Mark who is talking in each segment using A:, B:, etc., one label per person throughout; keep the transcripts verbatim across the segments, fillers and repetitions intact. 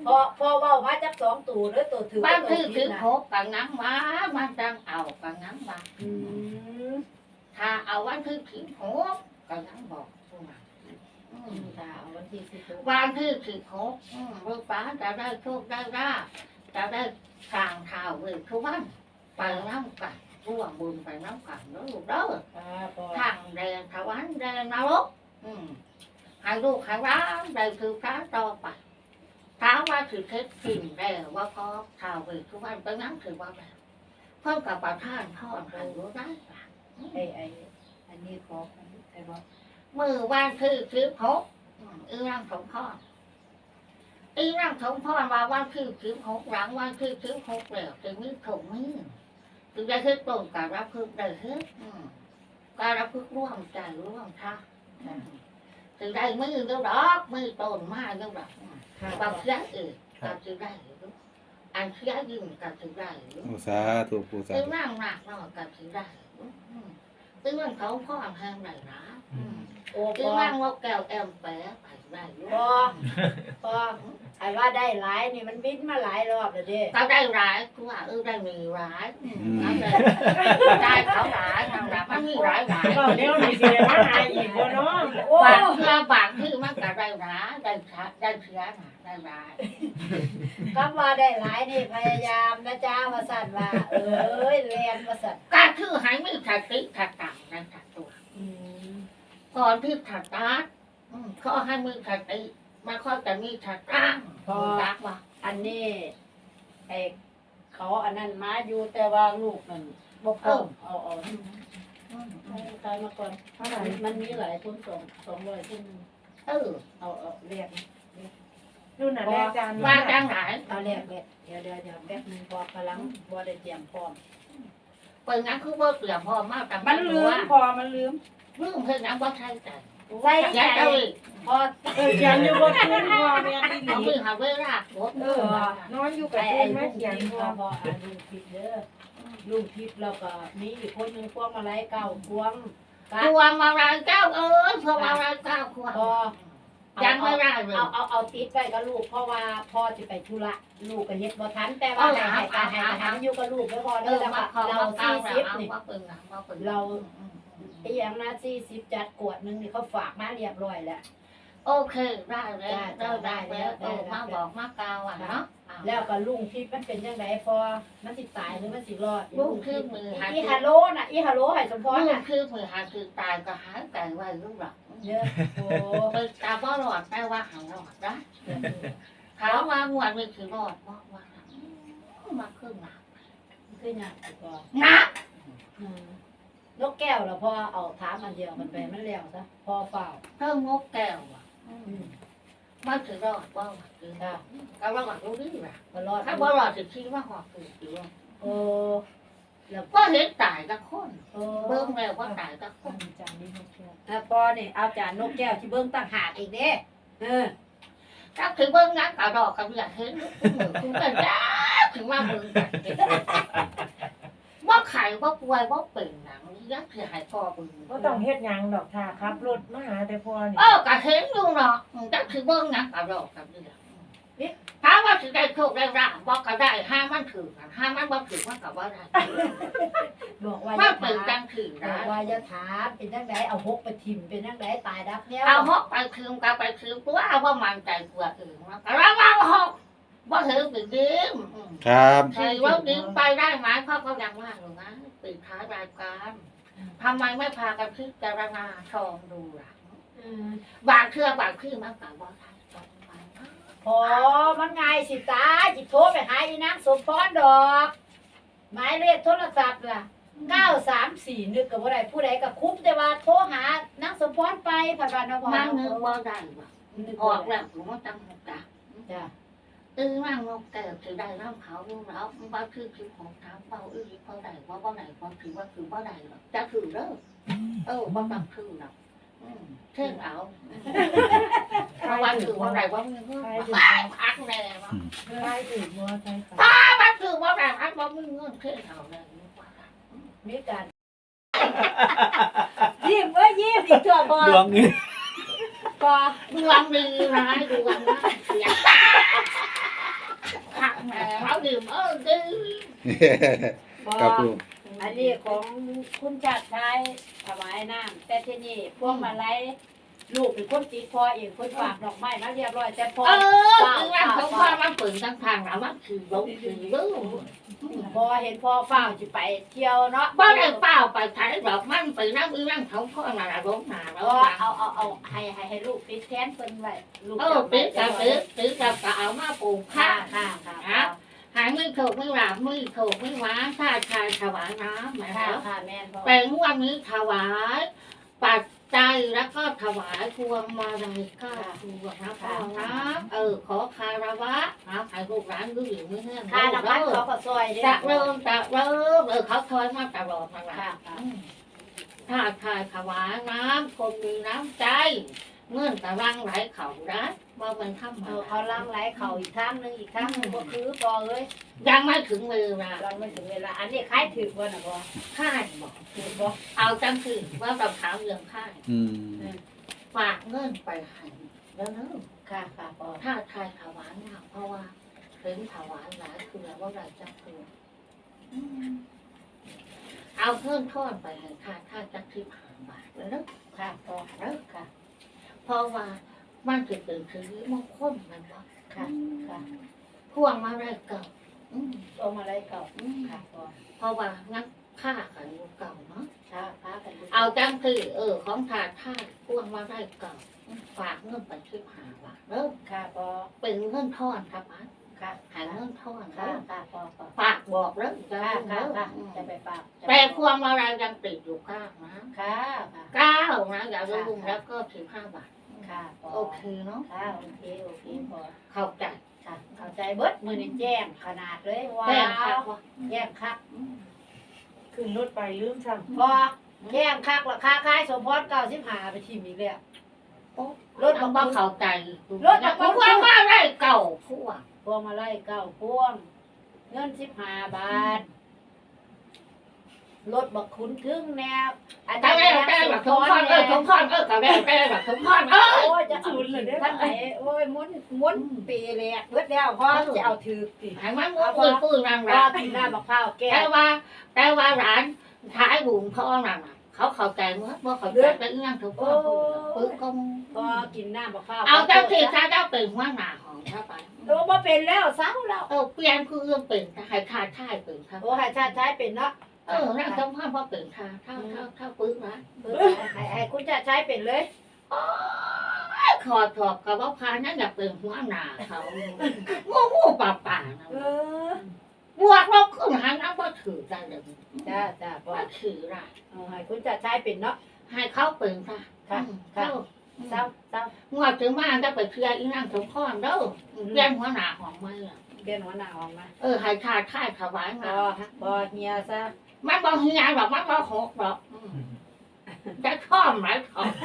A: พอพอเว้ามาจักสองตัวเด้อตัวถือ
B: บ้านคือถือโคกกับงั้งมามันจังเอากับงั้งมา
A: อืม
B: ถ้าเอาวันคือถือโคกกับงั้งบอกผู้มา
A: อืมค่ะเอาวันที่สิบหก
B: วันคือถือโคกลูกป้าจะได้โชคได้ราบจะได้ทางเท้าเวทุกวันไปน้ำกันร่วมบุญไปน้ำกันเด้อลูกเด้อ
A: ค่ะพอ
B: ทางแดงถวันแดงนรกอืมให้ลูกให้ร้านได้คือพระต่อไปถามว่าถือเคล็ดสิ่งได้ว่าพอท้าวเวทุกวันไปน้ำถือว่าแบบเพิ่มกับประทานพ่อให้รู้ได้ปะ
A: ไอ้ไอ้อันนี้ขอไอ้บ่
B: มือวันคือคือพกอีร่างสมพรอีร่างสมพรว่าวันคือคือพกหลังวันคือคือพกแล้วจะมีถงมือถึงได้คือตรงกับรับพึกได้คือการรับพึกร่วมใจร่วมท่าถึงได้มือเดียวดอกมือต้นมาเดียวดอก
A: ค่ะ
B: บางเสียเออกับถึงได้อันเสียยิ่งกับถึงได้
C: โอ้สาธุปูสา
B: อี
C: ธุ
B: ร่างหนักเนาะกับถึงได้อีร่างเขาพ่อแห้งไหนนะ
A: โอ้พ
B: คือ
A: อ
B: ว่างว่าแก้วแอมแปะไปได้อยู่
A: พอพอไอ้ว่าได้หลายนี่มันบินมาหลายรอบแล้วเด้
B: ก็ได้ร้ายคือว่าเออได้มีร้ายนั่นเลยได้เขาร้ายทางร้ายมันมีร้ายร้าย
D: ก็เดี๋ยวนี้สิได้มาหาอีกบ่เนาะ
A: โอ้
B: บางเชื่อบางที่มันก็ได้ร้ายได้ช้าได้เชื้อน่ะได้ร้าย
A: คำว่าได้หลายนี่พยายามนะจ้าว่าสั่นว่าเอ้ยเรียนว่าสั่น
B: การคือให้มีสติถัดต่างในถัดตัว
A: อืม
B: ก่อนที่ถัดตาเขาให้มีสติมันค่อยจะมีถัดตั้งพอรักว่า
A: อันนี้ไอ้เขาอันนั้นมาอยู่แต่ว่าลูกนั่นบ่พร้อมเอาเอาเอาใครมาก่อนเท่าไหร่มันมีหลายคนสองสองร้อยคนหนึ่ง
B: เออ
A: เอาเอาเรียก
D: นู่นน่ะแรกจาน
B: ว่าจังไหน
A: เอาเรียกเรียกเดี๋ยวเดี๋ยวเดี๋ยวแป๊บนึงพอกำลังบ่ได้เตรียมพร้อม
B: เป็นงั้นคือว่าเปลี่ยนพอมากแต่
D: มันลืมพอมันลืม
B: ลืมเพื่อนงั้นว่าใช่ใจ
A: ใส่
B: ยัด
A: ใจ
B: เอาอีก
A: พอ
D: เออเขียนอยู่บนพื้นพอแม่นอีห
B: เอา
D: ลี
B: มือหาเวลาหมด
D: เออนอนอยู่กับ
A: ไอ้
D: พื้
A: ไอ้
D: น
A: ลู
D: มาก เขียน
A: ทิพ
D: พ
A: ย์
D: อ
A: พออ่าลูกทิพย์เด้อลูกทิพย์แล้วก็มีอีกคนหนึงพวงมาลัยเก่าพวงกะ
B: พวงมาลัยเจ้าเอ้ยพวงมาลัยเจ้าพวง
A: พอ
B: ยังไม่ได้เลย
A: เอาเอาเอาติดไว้กับลูกเพราะว่าพ่อจะไปธุระลูกก็เฮ็ดบ่ทันแต่ว่าให้ให้ให้ให้ให้อยู่กับลูกไว้พอ
B: เอ
A: เด้อ
B: อ
A: แล้ว
B: มา
A: ก็
B: ขอ
A: เรา
B: มาเก้า
A: สี่
B: แล้ว
A: สิบ
B: เอา
A: นี่
B: ว่าเป็นนะว่าเป็น
A: เรา ไอ้อย่างนะสี่สิบจัดกวดหนึงนี่เขาฝากมาเรียบร้อยแล้ว
B: โอเคได้แล้วได้ได้แล้วเออมาบอกมาเก้าอ่ะเนาะ
A: แล้วก็ลุงทิพย์มันเป็นจังไดพอมันสิตายหรือมันสิรอด
B: ลุงคือมือหา
A: อีฮัลโหลน่ะอีฮัลโหลให้สมพร
B: ลุง
A: น่ะ
B: คือมือหาคือตายก็หายแต่ไว้ลูกหลัก
A: เด้อโอ้
B: เป็นตาบ่หลอดแต่ว่าหางหลอดนะถามว่าหวดมันคือรอดบอกว่ามาครึ่งหลัก
A: คือหยังก็
B: นะ
A: อืมนกแก้วแล้วพอเอาถามอันเดียวกันไปมันแล้วซะพอเฝ้า
B: เพิ่มงบแก้วอ่ะ
A: อืม
B: มันถือรอดว่าคือ
A: ค่ะ
B: ก็รอดรู้ดีแหละ
A: ก็รอด
B: ถ้าบ่รอดจะคิดว่าหอดคือถือ
A: โอ้แล้ว
B: ก็เห็นตายกับคน
A: โอ้
B: เบิ่งแล้วว่าตายกับคน
D: จานนี้นกแก้ว
A: อ่ะพอนี่เอาจานนกแก้วที่เบิ่งต่างหากอีกเด้เออ
B: ถ้าถือเบิ่งงั้นก็รอกับอยากเห็นมือคุณเป็นจ้าถึงว่าเบิ่งกันว่าไข่ว่าป่วยว่าเป็นหนังยักษ์คือหายคอเบิ่ง
D: บ่ต้องเฮ็ดหยังดอกค่ะขับรถมาหาแต่พอนี่
B: เออก็เห็นอยู่เนาะจักถือเบิ่งงั้นก็รอกับเรื่องถามว่าสิได้โชคได้ราบบ่ก็ได้ห้ามันถือกันห้ามันบ่ถือมันก็บ่ได้
A: บอกว่าอ
B: มัน
A: ย่า
B: เป็น
A: ถาม
B: จังถือ
A: บอก
B: นะ
A: ว่าอย่าถามเป็นจังไดเอาหกไปทิ่มเป็นจังไดตายดับแนว
B: เอาหกไปคืนก็ไปคืนตัวเอาว่ามันใจกว่าอื่นมันก็ระวังหกบ่ถือเป็นดิ้ม
C: ครับ
B: ถือว่าดิ้มไปได้ไหมเพราะเขายังว่าอยู่นะปิดท้ายรายการทำไมไม่พากันพิจารณาชองดูล่ะ
A: อืม
B: บางเชื่อบางคือมันก็บ่ทันตรงไปนะ
A: พอมันง่ายสิตาจิโทรไปหาอีนางสมพรดอก หมายเลขโทรศัพท์ล่ะเก้าสามสี่นึกกับว่าใดผู้ใดกับคุ้มแต่ว่าโทรหานางสมพรไปผ่านวันนพ
B: มัน
A: ร
B: นึกว่าได้บ่
A: นึก
B: ออ
A: ว่าก
B: แล้วผมว่าจังหกจ้ะ
A: จ้ะ
B: เออนั่งนกแก้วถือได้น้ำเขาลูกแล้วว่าคือคือของถามเบาเออเขาได้ว่าว่าไหนว่าถือว่าคือว่าใดหรอกจะถือเด้อเออว่าต้องถือหรอกอืมเช่นเอาเพราะว่าถือว่าไหนว่ามึงก็พักแน่ว่า
D: ใช่ถึงบ่ใช่ค่ะ
B: ถ้ามันถือว่าไหนพักว่ามึงเงื่อนเช่นเอาเลย
A: มีการยิ้มเอ้ยยิ้มอีกเถอะพอ
C: ดวงนี้
A: พอ
B: ดวงดีร้ายดวงร้ายเสียดื่มเออดื่ม
A: บ่
C: ครับปู
A: อันนี้ของคุณชาติชายถวายน้ำแต่ที่นี่พวงมาลัยลูกเป็นคนติดพ่อเองคนฝากดอกไม้มาเรียบร้อยแต่พ่อ
B: เออคือร่างของพ่อมันเปิดทั้งทางแล้วมันคือลงคือลืม
A: บ่เห็นพ่อฟ้าวสิไปเที่ยวเนาะ
B: บ่ได้เปล่าไปไทยดอกมันไปนั่งอีร่างของพ่อน่ะลงหนาแล้ว
A: ก็
B: ว่า
A: เอาเอาเอาให้ให้ให้ลูกติดแทนเพิ่นไว้ลูก
B: เออตื้อกับตื้อตื้อกับกะเอามาปลูก
A: ค่ะ
B: ข้า
A: ค่ะค่ะ
B: หายมือถูกมือหลับมือถูกมือหวานข้าชายถวายน้ำแม่
A: ค่ะ
B: แล้ว
A: ค่ะแม่นพ่อ
B: เป็นวันนี้ถวายปัจจัยแล้วก็ถวายพวงมาลัยก้าพวงนะพ่อนะเออขอคารวะนะให้ลูกหลานดูอยู่ไม่แห้ง
A: ค่าน้ำมันเขาก็ซอยเด้
B: จะเริ่มจะเริ่มเออเขาคอยมาตลอดมาละ
A: ค่ะค่ะ
B: ถ้าทายถวายน้ำคนมีน้ำใจเงื่อนตะรังไหลเขาได้ว่ามันทำ
A: เอ
B: มา
A: อเขาล้างไหลเขาอีกทางนึงอีกทางนึงบ่คือพอเอ้ย
B: ยังไม่ถึงเวลา
A: เราไม่ถึงเวลาอันนี้คล้ายถือบ่น่ะบ่
B: ค่ายบอก
A: ถือบ่
B: เอาจังคือว่าเราถามเรื่องค่าย
C: อืม
B: ฝากเงินไปให้แล้วเนอะ
A: ค่ะค่ะพ่อ
B: ถ้าทายถวายเนี่ยเพราะว่าถึงถวายหลายคือว่าเราจะคืออืมเอาเพิ่มทอดไปให้ค่าค่าจักที่ผ่านบาทแล้วเนอะ
A: ค่ะพ่อ
B: เนอะ
A: ค่ะ
B: เพราะว่ามันจะเป็นคือมงคลมันว่า
A: ค่ะค่ะ
B: พวงมาได้เก่าอืม
A: เอามาได้เก่า
B: อืม
A: ค่ะพ่อ
B: เพราะว่างั้นค่ากันอยู่เก่าเนาะ
A: ค่ะพากันดู
B: เอาจังคือเออของถาดท่าพวงมาได้เก่าฝากเงินไปที่หาบาทเริ่ม
A: ค่ะพ่อ
B: เป็นเงินทอนครับอัน
A: ค่ะ
B: หาเงินทอน
A: ค่ะ
B: เริ่ม
A: ค่ะพ่อพ่อ
B: ฝากบอกเริ่มจะ
A: ค่ะ
B: เริ่ม
A: ค่ะ
B: เริ่ม
A: ค่ะจะไปฝาก
B: แต่พวงมาลัยยังติดอยู่ข้างนะ
A: ค่ะค่ะ
B: เก้านะอย่าลืมแล้วก็สิบห้าบาท
A: ค่ะพ่อ
B: โอเคเนาะ
A: ค่ะโอเคโอเคพ่อ
B: เข้าใจ
A: ค่ะเข้าใจเบิดมือนี่แจ้งขนาดเลยว้า
B: แจ้งค่ะ
A: วแจ้งคัก
D: ขึ้นรถไปลืมซ้
A: พอแจ้งคักราคาขายสมพรเก้าสิบห้าไปทีมอีกแล้ว
B: รถมันบ่เข้าใจ
A: รถมันบ่
B: พวงมาลัยเก่าพวง
A: พวงมาไล่เก้าพวง เงินสิบห้าบาทรถบักขุนทึ่งแนวอัน
B: แต่
A: นี้
B: แต่แบบสมพรเออสมพรเออกับแต่แต่แบบสมพรเออ
A: โอ้ยจะเอาถือท่านไหนโอ้ยม้วนม้วนปีแรกเบิดแล้วพ่อจะเอาถือสิ
B: ให้มันมุ้งปืนปืนรัง
A: พ่อ
B: รัง
A: กินหน้าบักข้าวแก้
B: แต่
A: ว
B: ว่าแต่ว่าร้านท้ายบุญพ่อน่ะเขาเข้าใจเมื่อว่าเขาใจเป็นเรื่องถูกต้องปืนก็มึง
A: พ่อกินหน้าบักข้าว
B: เอาเจ้าที่ถ้าเจ้าเป็นหัวหน้าของเข้าไป
A: โอ้บ่เป็นแล้วเศร้าแล้ว
B: เออเปลี่ยนคือเรื่องเป็นให้ขาดท่ายเป็นครับ
A: โอ้ให้ชาติชายเป็นเนาะ
B: เออนั่งสมพรพ่อเป็นท่าเท่าเท่าเท่าปืนนะ
A: เออให้ให้คุณชาติชายเป็นเลย
B: ขอถอบกับว่าพานั่นอยากเป็นหัวหน้าเขางูงูป่าป่านะ
A: เออบ
B: วกลบขึ้นหาน้ำว่าถือได้เลย
A: จ้าจ้าพ่อ
B: ว่าถือได้
A: เอาให้คุณชาติชายเป็นเนาะ
B: ให้เขาเป็นค่ะ
A: ค่ะค่ะ เศร้าเศร้าง
B: วดถึงบ้านจะไปเคลียร์อีนั่งสมพรเด้อเลี้ยงหัวหน้าของมันอะ
A: เรียนหัวหน้าออกมา
B: เออให้ชาติท่ายถวาย
A: พ
B: มา
A: อพอเฮียซะ
B: มันบอกเฮียหรอกมันบอกหกหรอกอืมจะชอบไหมชอบ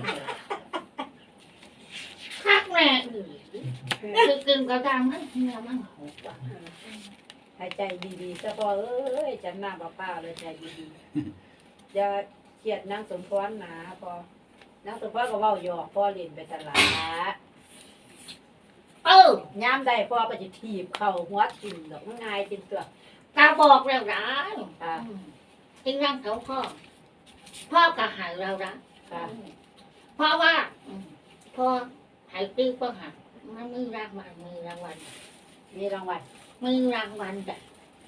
B: คักแม่อือคือกินกระดังนั่นเฮียมันหกว่ะ
A: ให้ใจดีๆซะพอเอ้ยจำหน้าป้าป้าเลยใจดีๆอย่าเครียดนางสมพรหนาพอนางสมพรก็เว้าหยอกพ่อเล่นไปตลาด
B: เออ
A: ย้ำได้พ่อก็จะถีบเข่าหัวทิ่มดอกง่ายจริงตัว
B: ตาบอกแล้วนะ
A: ค่ะ
B: จริงนั่งเขาพ่อ พ่อก็หายเราละ
A: ค่ะ
B: เพราะว่าอืมพ่อหายตื้อก็หายมันมีรางวัลมีรางวัล
A: มีรางวัล
B: มีรางวัลจ้ะ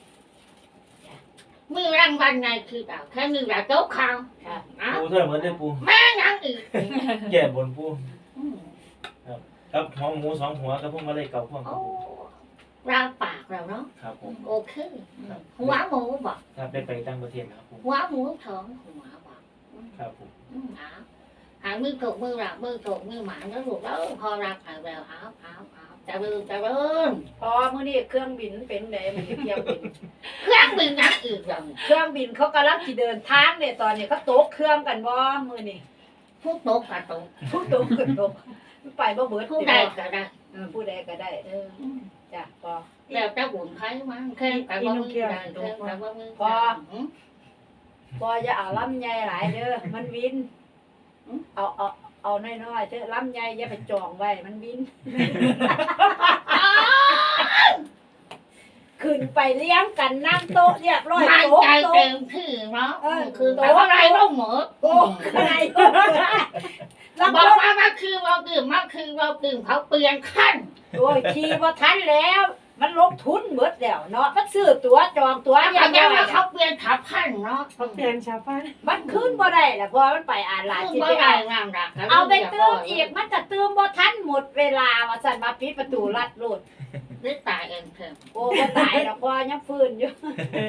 B: มีรางวัลในคือแบบแค่มีแบบโต๊ะข่าว
A: ค่ะ
B: นะ
E: ปูเท่าเหมือนได้ปู
B: แม่ยังอีก
E: แย่บนปู
B: อืม
E: ครับท้องหมูสองหัวกับพวกมาเลยเก่าพวก
B: โอ้ราปากเราเนาะ
E: ครับผม
B: โอเคหัวหมูบอก
E: ครับได้ไปต่างประเทศครับผม
B: หัวหมูท้องหัวบอก
E: ครับผม
B: อืมเอาหามือถูกมือหลักมือถูกมือหมาแล้วลูกแล้วพอรักหายแววเอาเอาเอาจะเริ่มจะเริ่ม
A: พอมื้อนี้เครื่องบินเป็นไดมันสิเที่ยวบิน
B: เครื่องบินนักอีกอย่าง
A: เครื่องบินเขากำลังสิเดินทางเนี่ยตอนนี้เขาตกเครื่องกันบ่มื้อนี้
B: ผู้โตกกับโตก
A: ผู้ตกขึ้นตกไปบ่เบิด
B: ผู้ใดก็ได้
A: เออผู้ใดก็ได้ เออจ้ะพอ
B: แล้วจะบุญไพ่มั้งแค่แต่ว่ามือได้แค่แต่ว่ามือ
A: พอ พอจะเอาลำไยหลายเด้อมันวิน เอาเอาเอาน้อยๆเถอะลำไยอย่าไปจองไว้มันวิน ขึ้นไปเลี้ยงกันนั่งโต๊ะเรียบร้อย
B: มัน
A: โต๊ะ
B: ใจ
A: โต๊ะ
B: เต็มที่เนาะ
A: เออ
B: คือแต่ว่าอะไรก็หมด
A: โอ้อะไรแล้ว
B: บอ
A: ก็
B: กว่ามาคือเราดื่มมาคือเราดื่มเขาเปลี่ยนขั้น
A: โอ้ยขี่บ่ทันแล้ว มันลบทุนหมดแล้วเนาะมันซื้อตั๋วจองตั๋ว
B: แล้ว
A: ยั
B: ก็
A: ง
B: ยัง
A: ไง
B: ว่าเขาเปลี่ยนทับขั้นเนาะ
D: เขาเปลี่ยนชาวบ้าน
A: มันขึ้นบ่ได้ล่ะเพราะมันไปอ่านหลาน
B: ซึ่ง
A: สิ
B: บ่
A: ไป
B: ได้
A: เอา
B: งามรัก
A: เอาไปเติมอีกมันจะเติมบ่ทันหมดเวลาว่าซั่นมาปิดประตูลัดโลด
B: หรือตายเองเถอะ
A: โอ้บ่ตายดอกพอยังฟื้นอยู่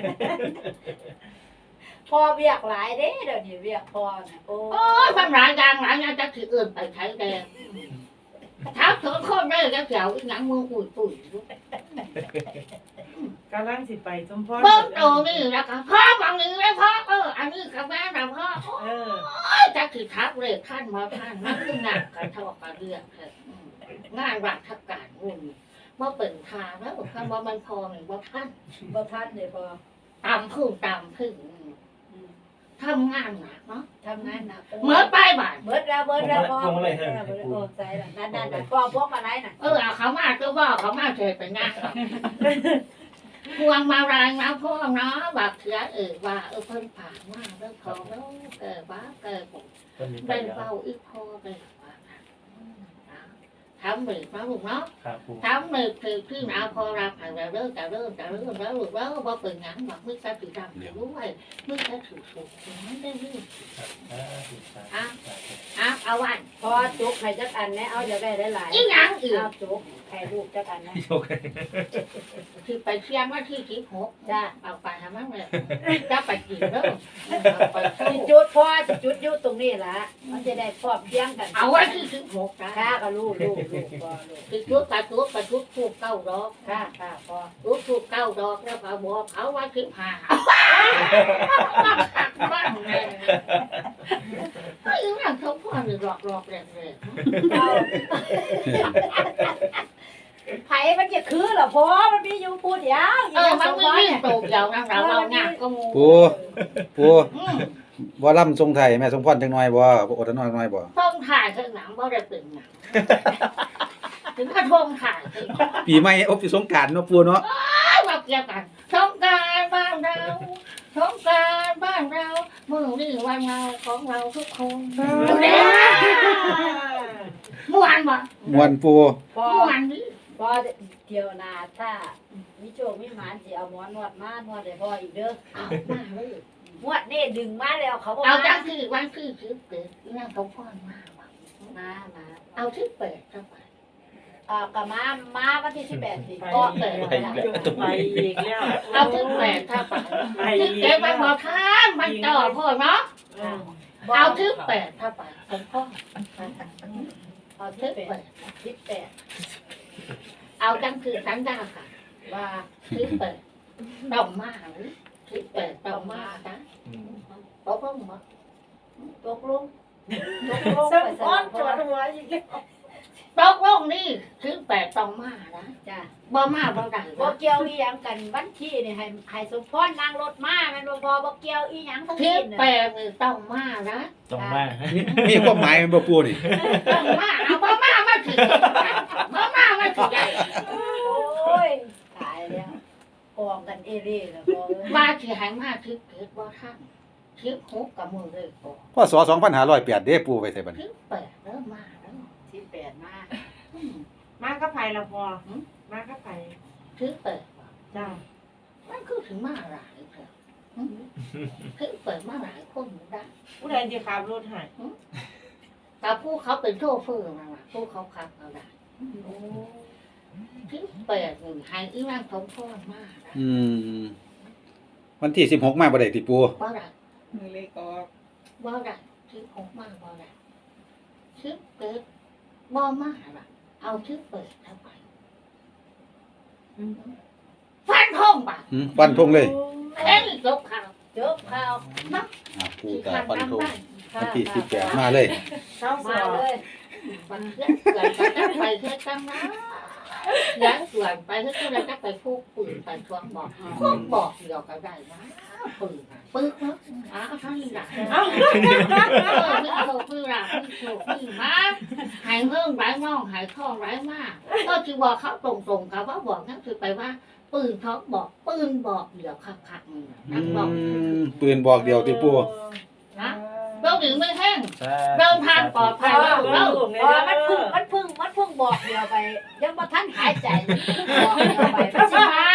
A: พอเวียกหลายเด้เดี๋ยวนี้เวียกพอน่ะโอ้
B: โอ้ยมันหลายอย่างหลายอย่างจะถืออื่นไปใช้แดงถ้าเถอะคนได้จะเกี่ยวอีหยังมือปุ๋ยปุ๋ย
D: กำลังสิไปสมพร
B: เบิ้งโตนี่แล้วก็พ่อบางนี้เลยพ่อเอออันนี้กับแม่นะพ่อ
D: เออ
B: จะถือทับเลยท่านมาท่านมันคืองานการทอกการเรื่องเถอะงานราชการรุ่นว่าเป็นทางแล้วคำว่ามันพอหนึ่งว่าท่าน
A: บ่ทันเด้พอ
B: ตามพึ่งตามพึ่งทำงานหนักเนาะ
A: ทำงานหนัก
B: เมื่อไปบ่าย
A: เบิดแล้วเบิดแล้วพอเบิดแล้วเบิดแล้วโอ้ใจละนั่นๆๆพอพวกอะไรน่ะ
B: เออเอาเขามาก็บอกเขามาเฉยไปงานหรอกพวงมารายมาพ่อเนาะแบบเถื่อเออว่าเออเพิ่นผ่านมาเรื่องของแล้วเกิดว่าเกิด
E: ต้นนี้ไป
B: เป็น
E: แล้ว
B: เบาอีกพอเลยว่าทำหนึ่งนะลูกเนาะ
E: ครับปู
B: ทำหนึ่งคือพี่นาพอรับให้เราเริ่มจะเริ่มจะเริ่มแล้วลูกแล้วว่าเป็นหยังบอกมึงจะถือดำถือด้วยมึงจะถือสุกมันได้เรื่อง
E: ครับอ่าถูกครับ
B: อ่ะเอาวัน
A: พอจุกให้จักอันแน่เอาอยากได้หลายๆ
B: อีหยังอื่น
A: เอาจุกให้ลูกจักอันนะ
E: โอเค
B: คือไปเชียงว่าที่ที่หก
A: จ้า
B: เอาไปทำมั่งเลยจะไปกินเด้อเอาไปเข้า
A: สิจุดพอสิจุดอยู่ตรงนี้ล่ะมันจะได้พร้อมเพรียงกัน
B: เอาไว้ที่ที่หกนะ
A: ค่ากับลูกลูกลูกพอลูก
B: คือจุดกระจุดกระจุดถูกเก้าดอก
A: ค่าค่าพอ
B: จุดถูกเก้าดอกแล้วก็บอกเขาว่าคือผ่าบ้างเลยไอ้เรื่องเขาพ่อหรือหลอกหลอกแรงเลย
A: เอาไผมันจะคือเหรอพอมันมีอยู่พูดเดียว
B: เออมันไม่ยิ่งโตเดียวนะเราเราเนี่ยก็มู
C: ปูปู
B: อืม
C: บ่ล่ำทรงไทยแม่สมพรจังน้อยบ่บ่อดทนน้อยน้อยบ่
B: ต้องถ่ายข้างหลังว่าได้เป็นหนังถึงกระทงถ่ายถึง
C: ปีใหม่อบสิสงกรานต์เนาะปูเนาะ
B: มาเกี่ยวกันสงกรารบ้านเราสงกรารบ้านเรามือนี่วันเราของเราทุกคนเมื่อวานบ่
C: ม่วนปู
A: พอ
B: เมื่อวานนี้
A: พอเที่ยวนาถ้ามีโชคมีหมานสิเอาหมอนวดมานวดให้พ่ออีกเด้อ
B: เอามาเลย
A: นวดนี่ดึงมาแล้วเขาบ่
B: เอา
A: มา
B: จังคือวันคือคือเกิดนั่งเขาพ่อนมาว่ะ
A: มามา
B: เอาที่เปิดเข้าไป
A: อ่าก็มามาวันที่สิบแปดสิ
D: ไป
A: ก็
D: อีก
A: เปิด
D: แล้วไปอีกแล้ว
B: เอาที่เปิดเข้าไป
D: ไป
B: ที่
D: อีก
B: เกิดมันบอกทางมันต่อพ่อเนาะ
D: เออ
B: เอาที่เปิดเข้าไปผมพ่อ
A: เอาที่แปดสิบแปด
B: เอาจังคือสัญญาค่ะ
A: ว่า
B: ที่เปิดต้องมาหรือที่เปิดต้องมาจ้ะ
E: อืม
B: ตกลงมา
A: ตกลงตกลง
D: สัก
A: ไปส
D: อ้อน
A: น
D: จวดหัวอีกแล้ว
B: ตกลงนี่ที่เปิดต้องมานะ
A: จ้ะ
B: บ่มาบ่ได้
A: บ่
B: นะ
A: เกี่ยวอีหยังกันวันที่นี่ให้ให้สมพรนั่งรถมาแม่นบ่พอบ่เกี่ยวอีหยังทั้ง
B: ที่
A: สิ้น
B: เปิ
A: น่ะ
B: ดนี่ต้องมานะ
E: ต้องมา
C: มีมีความหมายแม่นบ่ปูนี่
B: ต้องมาเอาบ่มามาถึงบ่มามาถึงได้
A: โอ้ยตายแล้วกองกันเอเร่แล้วพอเอ้ย
B: ว่าสิให้มาที่เกิดบ่ทันที่หกกับมือเลยบ่
C: พศสองพันห้าร้อยแปดเด้ปูไว้ใส่บัดนี้
B: ที่เปิดเริ่มมาแล้ว
A: สิบแปดมา
B: อืม
D: มาก็ไปละพอมาก็ไป
B: ที่เปิดบ่
D: จ้า
B: มันคือถึงมาหลายเถอะอืมที่เปิดมาหลายคนได้
D: ผู้ใดจะขับรถให้
B: แต่ผู้เขาเป็นโชเฟอร์มาว่ะผู้เขาขับเอาได้ที่เปิดหนึ่งให้อีร่างสมพรมากนะ
C: อืมวันที่สิบหกมาบ่ได้ติปู
B: บ่ได้
D: มือเล็กออก
B: บ่ได้ที่หกมากบ่ได้ที่เปิดบ่มากล่ะเอาที่เปิดเข้าไปฟันทงป่ะ
C: อืมฟันธงเลย
B: เอ้ยจบข่าว
A: จบข่าว
C: อ่าปู
B: ที่
C: ก็
B: ทาง
C: ฟันธง
B: ได้
A: ค่ะ
C: วันที่สิบแปดมาเลย
D: เช้าส
A: มา
D: อบ
A: เลย
B: วันเพื่อนเกิดจะไปเพื่อจังนะย้ายส่วนไปเพื่อที่เราจะไปพูดปืนไปทวงบอกพวกบอกเดียวก็ได้นะปืนนะปืนเนาะอ้าวท่านนี่แหละเออไม่โชว์ปืนละไม่โชว์ปืนมาหายเพิ่มไร้มองหายทองไร้มากก็คือบอกเขาตรงๆกับว่าบอกนั่นคือไปว่าปืนเขาบอกปืนบอกเดี๋ยวคักๆนี่
C: อื
B: นะบอก
C: มปืนบอกเดียวติปู
B: นะเราถึงไม่แห้ง
E: ใช่
B: เดินทางปลอดภัยแล้วเรา
A: อ๋อมันพึ่งมันพึ่งมันพึ่งบอกเดียวไป ยังบ่ทันหายใจมันพึ่งบอกเดียวไปมันสิมา